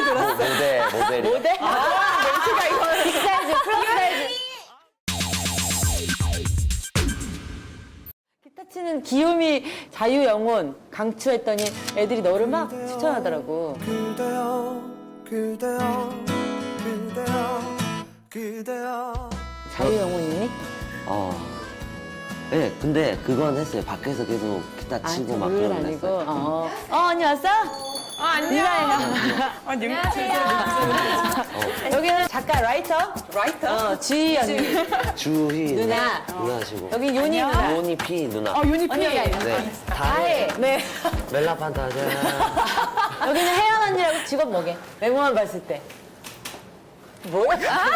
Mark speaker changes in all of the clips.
Speaker 1: 모델이.
Speaker 2: 모델?
Speaker 3: 멘트가 이거
Speaker 2: 빅사이즈, 플러스 사이즈. 기타 치는 귀요미 자유영혼 강추했더니 애들이 너를 막 추천하더라고.
Speaker 4: 그대여 그대여 그대여 그대여
Speaker 2: 자유영혼이니?
Speaker 1: 네, 근데 그건 했어요. 밖에서 계속 기타 치고 막
Speaker 2: 둘은
Speaker 1: 그런 거
Speaker 2: 아니고.
Speaker 1: 했어요.
Speaker 2: 언니 왔어?
Speaker 3: 안녕.
Speaker 2: 안녕하세요. 여기는 작가 라이터? 주희 언니.
Speaker 1: 주희
Speaker 2: 누나.
Speaker 1: 누나시고.
Speaker 2: 여기 요니 누나.
Speaker 1: 요니 피 누나.
Speaker 3: 유니피.
Speaker 1: 네.
Speaker 2: 다해.
Speaker 3: 네.
Speaker 1: 멜라판타자.
Speaker 2: 여기는 혜연 언니라고 직업 뭐게? 외모만 봤을 때. 뭐야?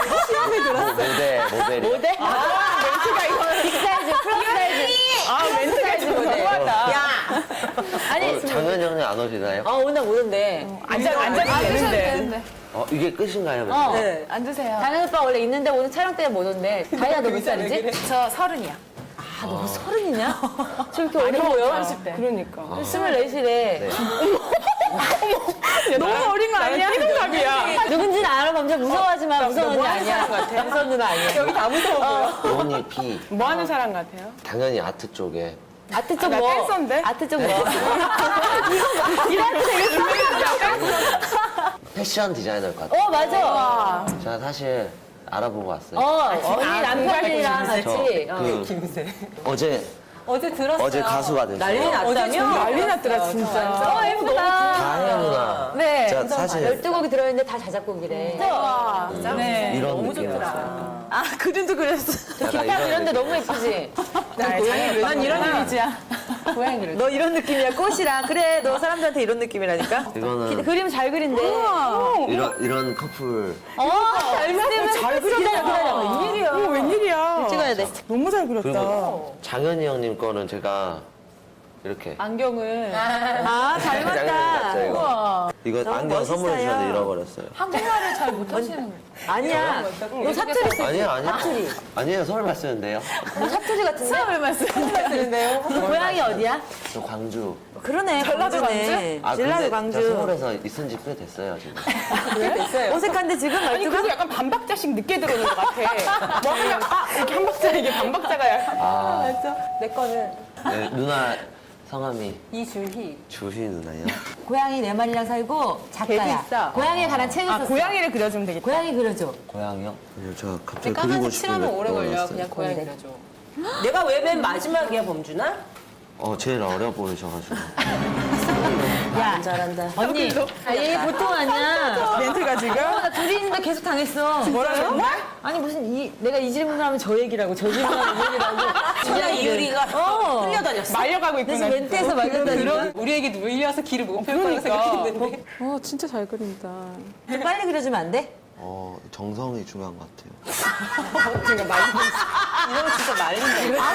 Speaker 1: 모델이.
Speaker 2: 모델?
Speaker 3: 멘트가 이거.
Speaker 2: 빅사이즈, 플러스 사이즈.
Speaker 3: 멘트가 지금 너무하다.
Speaker 2: 야! 아니,
Speaker 1: 장현 형님 안 오시나요?
Speaker 2: 오늘 못 온대.
Speaker 3: 앉아도 되는데.
Speaker 1: 이게 끝인가요?
Speaker 2: 네.
Speaker 3: 앉으세요.
Speaker 2: 다현 오빠 원래 있는데 오늘 촬영 때문에 못 온대. 다현아, 너 몇 살이지?
Speaker 3: 저 30이야.
Speaker 2: 아, 너 30이냐? 저 이렇게 어려 보여?
Speaker 3: 30대. 그러니까.
Speaker 2: 24시래.
Speaker 3: 너무 어린 거 아니야? 띠동갑이야.
Speaker 2: 누군지는 알아. 범죄 무서워하지 마. 무서운 언니 아니야. 무서운 누나 아니야.
Speaker 3: 여기 다 무서워 보여.
Speaker 1: 요니 피.
Speaker 3: 뭐 하는 사람 같아요?
Speaker 1: 당연히 아트 쪽에.
Speaker 2: 아트 쪽
Speaker 3: 나
Speaker 2: 뭐?
Speaker 3: 댄서인데?
Speaker 2: 아트 쪽 뭐? 이거 되게
Speaker 1: 패션 디자이너일 것 같아요.
Speaker 2: 맞아.
Speaker 1: 제가 사실 알아보고 왔어요.
Speaker 2: 언니 남편이랑
Speaker 1: 저
Speaker 2: 같이.
Speaker 1: 어제 가수가 됐어요.
Speaker 2: 난리 났다며?
Speaker 3: 난리 났더라 진짜.
Speaker 2: 예쁘다.
Speaker 1: 다혜 누나.
Speaker 2: 네.
Speaker 1: 제가 사실
Speaker 2: 12곡이 들어있는데 다 자작곡이래.
Speaker 3: 네.
Speaker 1: 이런 느낌이었어요.
Speaker 3: 그림도 그렸어.
Speaker 1: 약간
Speaker 2: 기타 이런데 너무 예쁘지?
Speaker 3: 난 이런 이미지야.
Speaker 2: 고양이 그려.
Speaker 5: 너 이런 느낌이야 꽃이랑 그래 너 사람들한테 이런 느낌이라니까
Speaker 1: 이거는
Speaker 2: 그림 잘 그린대.
Speaker 1: 이런 커플.
Speaker 2: 잘 그린다. 웬일이야.
Speaker 3: 웬일이야.
Speaker 5: 찍어야 돼
Speaker 3: 너무 잘 그렸다.
Speaker 1: 그리고 장현이 형님 거는 제가 이렇게.
Speaker 3: 안경을.
Speaker 2: 잘
Speaker 1: 장현이 같죠, 이거. 이거 안경 선물해 주셨는데 잃어버렸어요.
Speaker 3: 한국말을 잘 못하시는
Speaker 2: 아니야. 너 사투리 쓰지?
Speaker 1: 아니에요.
Speaker 2: 사투리.
Speaker 1: 아니에요. 서울말 쓰는데요.
Speaker 2: 너 사투리 같은데?
Speaker 3: 사람을 말씀하시는데요.
Speaker 2: 고향이 어디야?
Speaker 1: 저 광주.
Speaker 5: 그러네
Speaker 3: 전라도
Speaker 5: 광주네 전라도
Speaker 1: 근데 제가
Speaker 5: 광주
Speaker 1: 서울에서 있은 지 꽤 됐어요, 지금.
Speaker 5: 어색한데 지금
Speaker 3: 아니
Speaker 5: 말투가
Speaker 3: 그리고 약간 반박자씩 늦게 들어오는 것 같아. 뭐 하면 이렇게 한 박자 이게 반박자가 약간.
Speaker 1: 아,
Speaker 3: 내 거는
Speaker 1: 네, 누나 성함이
Speaker 3: 이주희.
Speaker 1: 주희 누나요?
Speaker 2: 고양이 네 마리랑 살고 작가야.
Speaker 3: 개도 있어.
Speaker 2: 고양이에 관한 책을 썼어.
Speaker 3: 고양이를 그려주면 되겠다.
Speaker 2: 고양이 그려줘.
Speaker 1: 고양이요? 아니요, 제가 갑자기 그리고
Speaker 3: 까만색
Speaker 1: 싶은
Speaker 3: 칠하면
Speaker 1: 게
Speaker 3: 오래 걸려.
Speaker 1: 떠올랐어요.
Speaker 3: 그냥 고양이 그려줘.
Speaker 5: 내가 왜 맨 마지막이야 범준아?
Speaker 1: 제일 어려 보이셔가지고.
Speaker 2: 야,
Speaker 5: 잘한다
Speaker 2: 언니. 얘 보통 아니야.
Speaker 3: 멘트가 지금.
Speaker 2: 나 둘이 있는데 계속 당했어.
Speaker 3: 뭐라고?
Speaker 2: 아니 내가 이 질문을 하면 저 얘기라고 저 질문하면 이 얘기라고.
Speaker 5: 그냥 이유리가 흘려다녔어
Speaker 3: 말려가고 있구나.
Speaker 2: 그래서 멘트에서 말렸다니까.
Speaker 3: 우리에게 눌려서 길을 못 펴고 그러니까. 생각했는데. 진짜 잘 그린다.
Speaker 2: 좀 빨리 그려주면 안 돼?
Speaker 1: 정성이 중요한 것 같아요.
Speaker 3: 그러니까 말린다. 이거 진짜 말린다.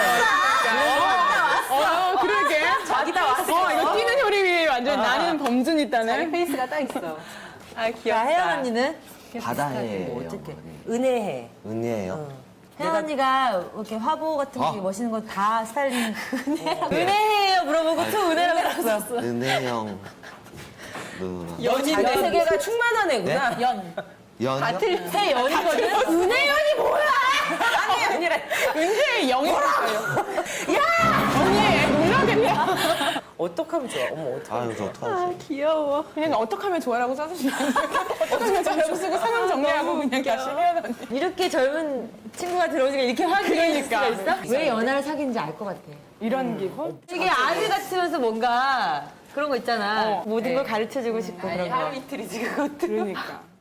Speaker 3: 그러게.
Speaker 5: 자기다 왔어
Speaker 3: 이거 뛰는 효림이 완전 나는 범준 있다네. 자기 페이스가 딱 있어. 아, 귀엽다.
Speaker 5: 혜연 언니는
Speaker 1: 바다해예요.
Speaker 5: 어떻게 은혜해
Speaker 1: 은혜예요?
Speaker 2: 혜연 언니가 이렇게 화보 같은 거 멋있는 거 다 스타일링. 은혜예요 물어보고 또 은혜라고 썼어.
Speaker 1: 은혜형 누나.
Speaker 5: 자기 세계가 충만한 애구나
Speaker 1: 연이요?
Speaker 2: 새 연이거든. 은혜연이 뭐야?
Speaker 3: 은혜의 영이었어요. 야! 언니, 놀라겠네.
Speaker 5: 어떡하면 좋아 어머 어떡해
Speaker 1: 아유, 저 어떡하지?
Speaker 3: 귀여워. 그냥 어떡하면 좋아라고 써주시면 어떡하면 좋아라고 쓰고 상황 정리하고 그냥 다시 해야 돼.
Speaker 2: 이렇게 젊은 친구가 들어오니까 이렇게 확인할 수가
Speaker 3: 그러니까.
Speaker 2: 있어? 왜 연하를 사귀는지 알 것 같아.
Speaker 3: 이런 기분?
Speaker 2: 되게 아들 같으면서 뭔가 그런 거 있잖아. 모든 걸 가르쳐주고 싶고 그런 거.
Speaker 3: 이틀이지, 그것도. 그러니까.